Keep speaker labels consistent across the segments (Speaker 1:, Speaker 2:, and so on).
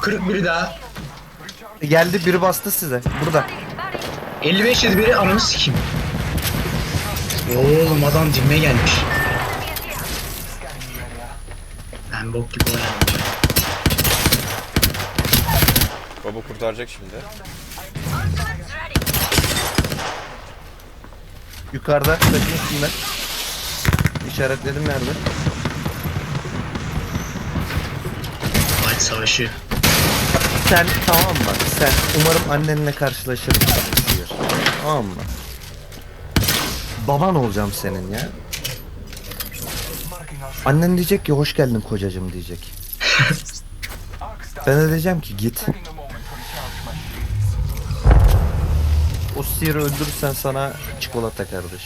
Speaker 1: Kırık biri daha.
Speaker 2: Geldi, biri bastı size. Burada.
Speaker 1: 55 yedi biri, ananı sikeyim. Oğlum adam dibime gelmiş. Ben bok gibi oynadım.
Speaker 3: Baba kurtaracak şimdi.
Speaker 2: Yukarıda. Taşın üstünde. İşaretledim nerede?
Speaker 1: Fight savaşı.
Speaker 2: Sen tamam mı? Sen umarım annenle karşılaşırız. Diyor. Tamam mı? Baban olacağım senin ya. Annen diyecek ki hoş geldin kocacığım diyecek. Ben de diyeceğim ki git. O sihiri öldürürsen sana çikolata kardeş.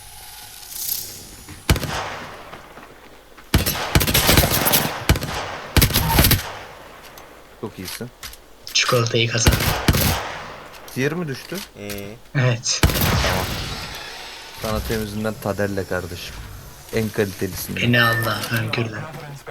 Speaker 2: Çok iyisin.
Speaker 1: Çikolatayı kazan.
Speaker 2: Sihir mi düştü?
Speaker 1: Evet.
Speaker 2: Sana temizinden Tadelle kardeşim. En kalitelisini.
Speaker 1: Beni Allah önkürden.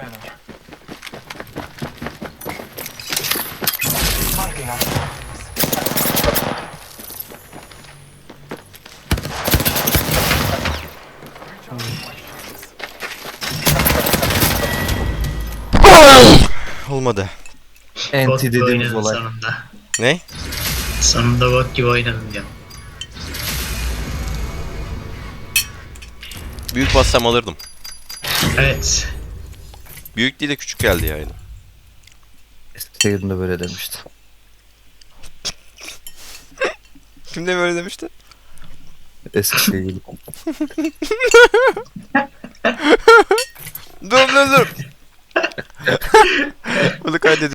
Speaker 3: Olmadı.
Speaker 1: Bot
Speaker 2: Enti
Speaker 1: gibi
Speaker 2: dediğimiz
Speaker 1: oynadım
Speaker 2: olay.
Speaker 1: sonunda.
Speaker 3: Ne?
Speaker 1: Sonunda bot gibi oynadım diyorum.
Speaker 3: Büyük bassam alırdım.
Speaker 1: Evet.
Speaker 3: Büyük değil de küçük geldi yani.
Speaker 2: Eskişehir'de böyle demişti.
Speaker 3: Kim de böyle demişti?
Speaker 2: Eskişehir.
Speaker 3: Dur. Bunu kaydedin.